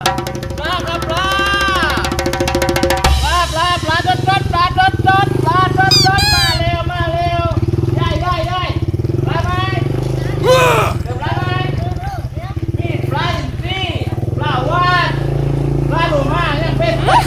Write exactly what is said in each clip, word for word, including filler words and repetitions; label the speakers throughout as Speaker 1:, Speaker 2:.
Speaker 1: ปลาครับปลาปลาปลาปลาดดดปลาดดดปลาดดดมาเร็วมาเร็วได้ได้ได้ปลาไหมเดี๋ยวปลาไหมนี่ปลาอินทรีปลาวานปลาดูมายังเป็นมา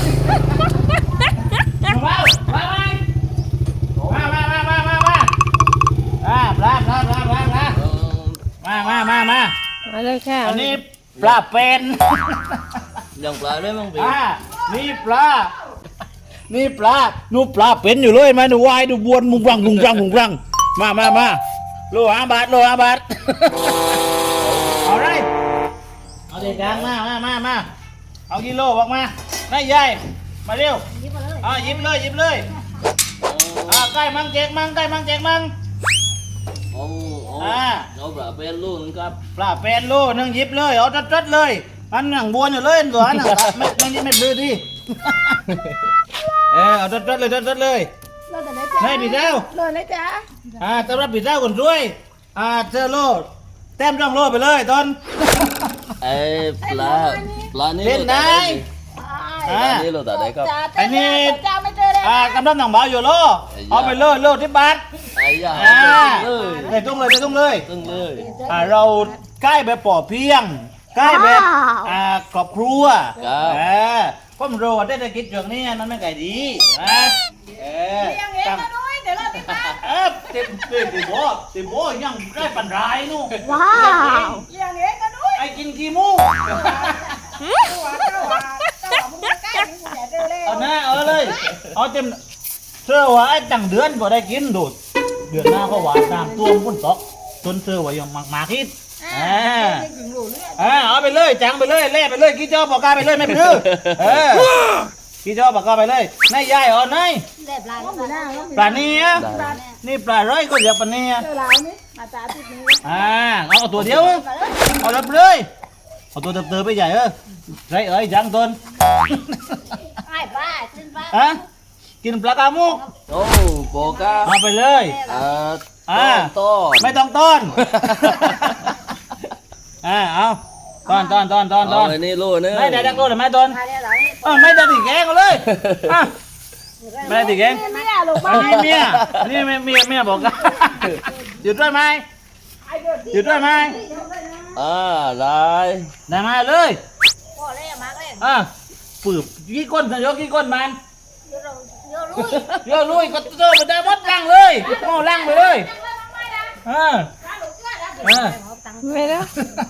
Speaker 1: ปลาปลาไหมมามามามามามาอ่าปลาปลาปลาปลาปลามามามามา
Speaker 2: มาเลยค่ะ
Speaker 1: อันนี้ปลาเป็น
Speaker 3: ยังปลาด้วยมั้งพี่
Speaker 1: อ่านี่ปลา นี่ปลานูปลาเป็นอยู่เลยไหมหนูวายดูบวนมุงรังมุงรังมุงรังมามามาโลห้าบาทโลห้าบาท เอาไรเอาเด็กดังมามามามาเอากิโลบอกมาได้ยายมาเร็วอ่าหยิบเลยหยิบเลยอ่าใกล้มังแจกมังใกล้มังแจกมัง
Speaker 3: โอ้โอ้
Speaker 1: อ่า
Speaker 3: เราปลาเป็นลูกนึงครับ
Speaker 1: ปลาเป็นโลนึงหยิบเลยเอาจัดๆเลยอันหนังบวนอยู่เลยตัวอันหนังไม่ไม่ไม่ไม่ดื้อดิเออเอาจัดๆเลยจัดๆเลย
Speaker 2: เราแต่ไหนจ้า
Speaker 1: ให้พี่เจ้า
Speaker 2: เราไหนจ้า
Speaker 1: อ่าต้อนรับพี่เจ้าคนช่วยอ่าเจอโลแต้มร่องโลไปเลยตอน
Speaker 3: ไอ้ปลาปลานี่
Speaker 1: เล่นได้
Speaker 3: ปลานี่เราตัดได้ครับ
Speaker 1: อันนี้
Speaker 2: จ้าไม่เจอเลย
Speaker 1: อ่ากำลังหนังเบาอยู่โลเอาไปเลยโลที่บาท
Speaker 3: ไอ้ยา
Speaker 1: อ่า
Speaker 3: เลย
Speaker 1: ไปตุ้งเลยไปตุ้งเลย
Speaker 3: ตึ้งเลย
Speaker 1: อ่าเราใกล้แบบปอเพียงใกล้แบบอ่าครอบครัว
Speaker 3: ครับ
Speaker 1: เออผมรู้ว่าได้แต่กิจช่วงนี้มันไม่ไก่ดีนะเออ
Speaker 2: ยังเอง
Speaker 1: ตั้ง
Speaker 2: นะนุ้ยเดี๋ยวเราติดตาม
Speaker 1: เออติดติดติดโบติดโบยังได้ปันรายนู่น
Speaker 2: ว้าวยังเองนะนุ้ย
Speaker 1: ไอ้กินกี่มู
Speaker 2: ตัวเจ้าว่าเจ้าว่ามึงใกล้มึงอย่าเจอเลย
Speaker 1: เอาหน้าเอาเลยเอาเต็มเชื่อว่าไอ้จังเดือนพอได้กินดูดเดือนหน้าก็หวานน้ำตัวมันตกจนเชื่อว่ายังมากมาคิดอ่า
Speaker 2: ถึงหลูเนี่ย
Speaker 1: อ่าเอาไปเลยจังไปเลยเล่ไปเลยกี่เจ้าปากกาไปเลยไม่เป็นไรเออกี่เจ้าปากกาไปเลยนายยายอ๋อนาย
Speaker 2: เล็บลายปลาหน้า
Speaker 1: ปลาเนี้ยนี่ปลาร้อยก็เรียกปลาเนี้ย
Speaker 2: เจอลายนี่มาตาติดนี้
Speaker 1: อ่าเอาตัวเดียวเอาเลยเลยเอาตัวเติบๆไปใหญ่เออไรเอ้ยจังต้น
Speaker 2: ไอ้บ้าขึ้นบ้า
Speaker 1: ฮะกินปลากามุก
Speaker 3: โอ้โปกา
Speaker 1: เอาไปเลย
Speaker 3: อ่า
Speaker 1: อ่า
Speaker 3: ต้น
Speaker 1: ไม่ต้องต้น อ่าเอาต้อนต้อนต้อนต้อนต้
Speaker 3: เอา
Speaker 1: อน
Speaker 3: ไอ้นี่ลูกนึง
Speaker 1: ไม่ได้ดักโลหรือไม่ต้น
Speaker 2: ตาเนี่ยหลังนี่
Speaker 1: เออไม่ได้ติแกงเอาเลยอ่ะไม่ได้ติแกง
Speaker 2: ไม่ได้ลง
Speaker 1: อั
Speaker 2: มาน
Speaker 1: นี้เมียอันนี้เมียเมียเมียบอกกันอยู่ด้วยไหมอยู่ด้วยไหม
Speaker 3: อ่าได้
Speaker 1: ได้มาเลย
Speaker 2: พ่อเล่มาเล่
Speaker 1: อ่ะปืบกี่ก้นยกกี่ก้นมัน
Speaker 2: เยอะเยอะลุย
Speaker 1: เยอะลุยก็เจอไปได้วัดลังเลยโม่ลังไปเลยเออเออ
Speaker 2: ไม่แล้ว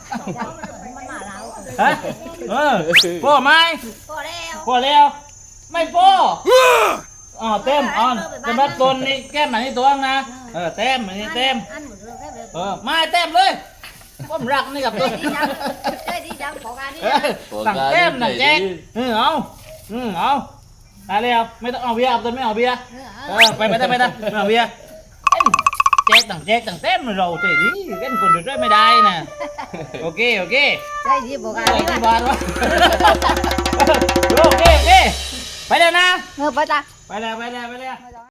Speaker 1: ฮะเออพ่อไหม
Speaker 2: พ่อแล้ว
Speaker 1: พ่อแล้วไม่พ่ออ๋อเต็มอ่อนจะมาต้นนี่แก้มอันนี้ตัวนะเออเต็มอันนี้เต็ม
Speaker 2: อันหมดเลย
Speaker 1: เออมาเต็มเลยผมรักนี่กับตัว
Speaker 2: ดีจังดีจังของการนี้
Speaker 1: เออสั่งเต็มหนังแจ๊กเออเอาอืมเอาได้แล้วไม่ต้องเอาเบียร์เอาต้นไม่เอาเบียร์เออไปไปได้ไปได้ไม่เอาเบียร์แจ๊กต่างแจ๊กต่างเต็มเราใจดีกันคนเดียวไม่ได้นะโอเคโอเค
Speaker 2: ใช่ดีบอกการ
Speaker 1: โอ้
Speaker 2: นี้
Speaker 1: ที่บ้านวะโอเคโอเคไปแล้วนะ
Speaker 2: เออไปจ้ะ
Speaker 1: ไปแล้วไปแล้วไปแล้ว